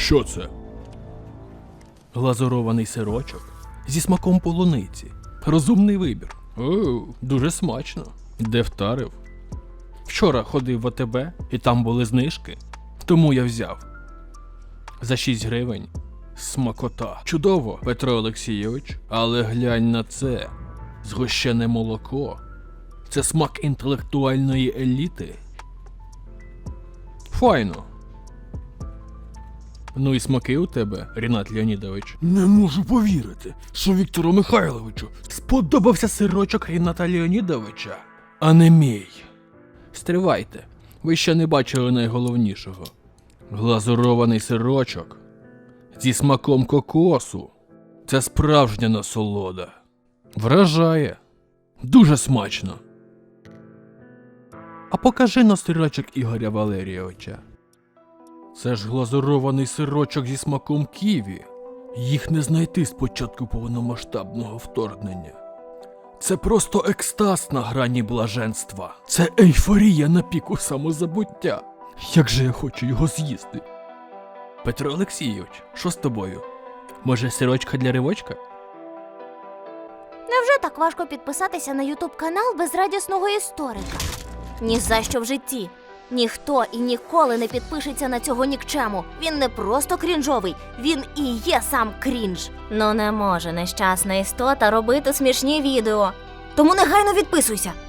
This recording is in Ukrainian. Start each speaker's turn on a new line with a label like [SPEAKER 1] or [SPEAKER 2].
[SPEAKER 1] Що це? Глазурований сирочок зі смаком полуниці. Розумний вибір. Оу, дуже смачно. Де втарив? Вчора ходив в АТБ і там були знижки, тому я взяв. За 6 гривень. Смакота. Чудово, Петро Олексійович, але глянь на це. Згущене молоко. Це смак інтелектуальної еліти. Файно. Ну і смаки у тебе, Рінат Леонідович. Не можу повірити, що Віктору Михайловичу сподобався сирочок Ріната Леонідовича, а не мій. Стривайте, ви ще не бачили найголовнішого. Глазурований сирочок зі смаком кокосу. Це справжня насолода. Вражає. Дуже смачно. А покажи на сирочок Ігоря Валерійовича. Це ж глазурований сирочок зі смаком ківі. Їх не знайти з початку повномасштабного вторгнення. Це просто екстаз на грані блаженства. Це ейфорія на піку самозабуття. Як же я хочу його з'їсти. Петро Олексійович, що з тобою? Може, сирочка для ривочка?
[SPEAKER 2] Невже так важко підписатися на ютуб-канал безрадісного історика? Ні за що в житті. Ніхто і ніколи не підпишеться на цього нікчему. Він не просто крінжовий, він і є сам крінж. Ну не може нещасна істота робити смішні відео. Тому негайно відписуйся.